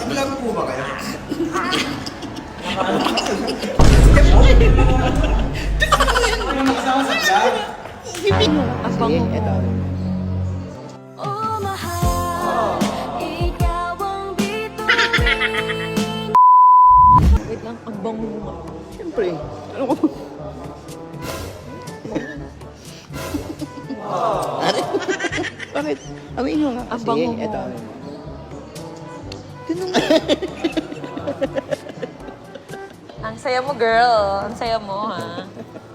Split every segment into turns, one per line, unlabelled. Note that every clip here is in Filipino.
Vlog po ba kayo? Ano magsama sa vlog?
Ang bango mo.
Oh, mahal, ikaw ang bituin.
Wait lang, ang bango mo.
Siyempre. Ano ko? Bakit? Amin nyo nga
Ang
kasi.
bango mo.
Ito.
Ang saya mo, girl. Ang saya mo, ha?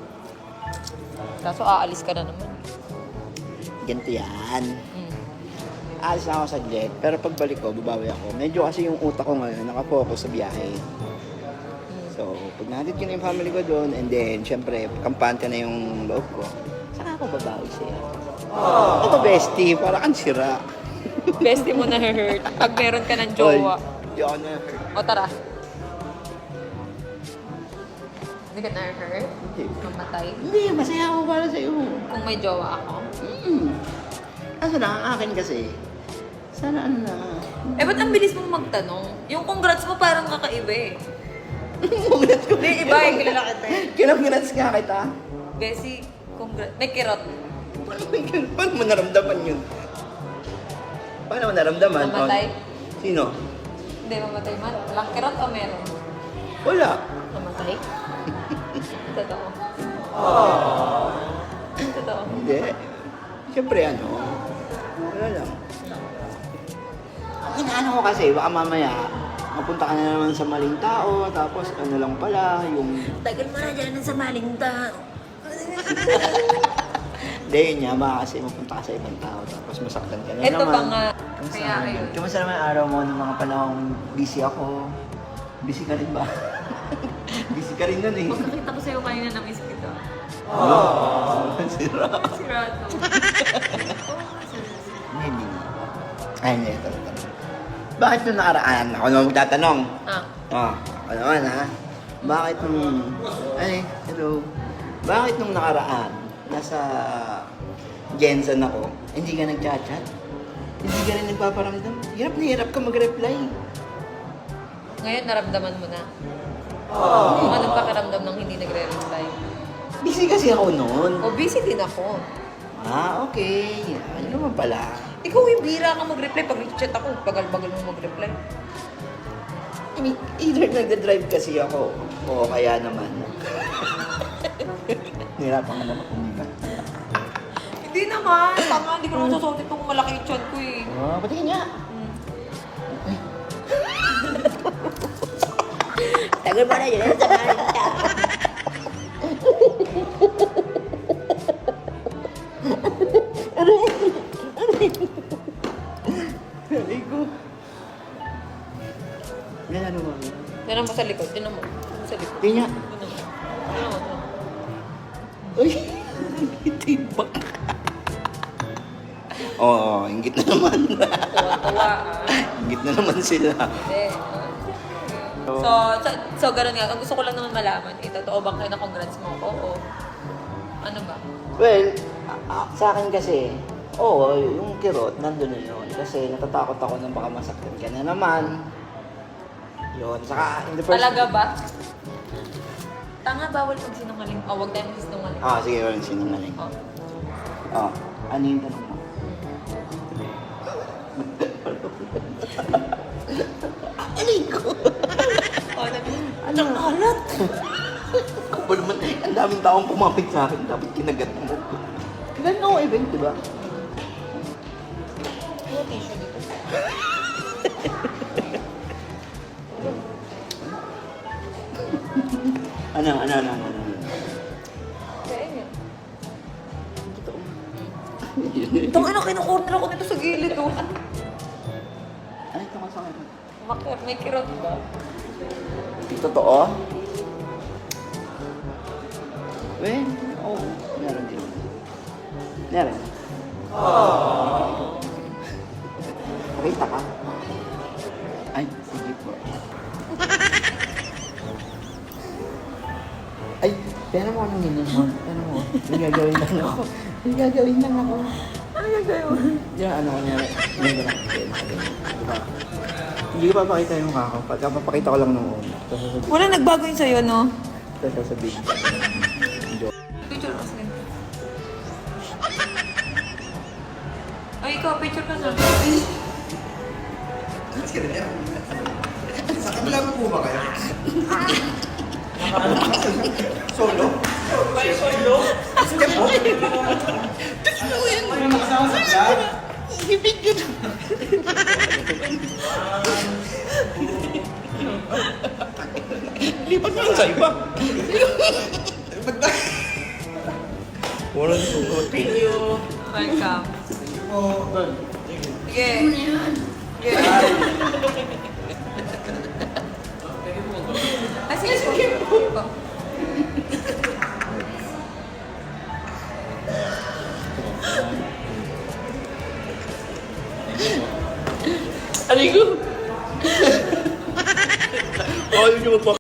Kaso aalis ka na naman.
Ganito yan.
Mm.
Alis na ako saglit, pero pagbalik ko, babawi ako. Medyo kasi yung utak ko ngayon, nakafocus sa biyahe. So, pag natin ko na yung family ko doon, and then, syempre, kampante na yung loob ko, saka ako babawi sa'yo. Ito, bestie, para kang sira.
Bestie mo na hurt pag meron ka ng jowa.
Hindi ako na-hurt.
O tara. Hindi ka na-hurt? Mamatay?
Hindi, masaya ako para sa'yo.
Kung may jowa ako?
Kaso lang, ang akin kasi, sana ano na.
Eh, ba't ang bilis mong magtanong? Yung congrats mo parang kakaiba eh. Hindi, iba eh. Kilala kita eh.
Kinag-grats nga kita.
Bessie, congrats. May kirot.
Paano mo naramdaman yun? Paano mo naramdaman?
Mamatay?
Sino?
Hindi, mamatay man. Walang kirot o meron?
Wala.
Mamatay? Totoo. Totoo.
Hindi. Siyempre ano, wala lang. Ang inaano ko kasi, baka mamaya, mapunta ka na naman sa maling tao, tapos ano lang pala, yung...
Tagal mo na dyan sa maling tao.
Hindi, yun nga, baka kasi mapunta ka sa ibang tao, tapos masaktan ka na
Ito
naman.
ba nga?
Kamusta
Kaya
naman?
ayun.
Kamusta naman ang araw mo nung mga panahong busy ako? Busy ka rin ba? Busy ka rin nun eh.
Magkakita ko sa'yo kanina na miss kita.
Sira.
Sirado.
Hindi na. Ay, hindi. Ito. Bakit nung nakaraan? Ako naman magtatanong.
Ah.
Ako naman ha. Bakit nung... Ay, hello. Bakit nung nakaraan, nasa Jensen ako, hindi ka nag-chat-chat? Hindi ka rin nagpaparamdam? Hirap na hirap ka mag-reply.
Ngayon, naramdaman mo na. Kung anong pakiramdam ng hindi nagre-reply.
Busy kasi ako noon.
O, busy din ako.
Okay. Ano naman pala?
Ikaw yung bira ka mag-reply. Pag chat ako, bagal-bagal mo mag-reply.
I mean, either nagda-drive kasi ako, o kaya naman. Nahirapan ka naman kumikat.
Hindi naman. Tama, hindi ko naman susuot itong malaki yung chat ko eh.
Patingin niya. Tagal pa na yun sa malita. Aray ko. Yan ano ba?
Tinan mo sa likod. Tinan mo. Sa likod.
Tingnan niya.
Tinan mo. Tinan mo.
Uy, tibak. Oo, ingit na naman.
Tuwa-tuwa ah.
Ingit na naman sila.
Hindi. So, ganun nga. Ang gusto ko lang naman malaman, totoo bang kayo na congrats mo ako o ano ba?
Well, sa akin kasi, oo, yung kirot, nandun na yun. Kasi natatakot ako na baka masaktan ka na naman. Yun, saka in the first...
Talaga ba? Tanga, bawal magsinungaling. O, wag tayong magsinungaling.
Sige, walang sinungaling.
Oh.
Ano yung tanong mo? Aling ko! Ano? Alat! Kapal naman, ang daming taong pumapit sa akin, dapat kinagat mo. Kailan ako event, di ba?
Ano tissue dito?
Ano?
Kaya yun.
Totoo.
Itong ano, kinukorner ako nito sa gilid oh.
Ano ito nga sa akin?
May kirot ba?
Totoo? Well, oo. Meron din. Meron. Nakita ka? Ay, sige po. Ay, pero mo anong yun mo? Pero mo, may gagawin lang ako. May gagawin lang ako.
Ano gagawin?
Yung ano ko niya, may gagawin. Diba? Hindi ko papakita yung mukha ko. Pagka papakita ko lang noon. Tapos sasabihin.
Wala nagbago yun sa'yo, no?
Tapos sasabihin. Joke.
Picture ka sa'yo. Ay, ikaw, picture ka sa
Mas ka niya. Sa kabila mo po ba kayo? Solo? Solo? Step mo? May nakasama sa vlog?
Lipat mo lang sa iba. Wala na sugot.
Welcome.
Oh,
Sige. Sige. Ah, sige, sige.
Aligo! Ayaw niyo magpapakita.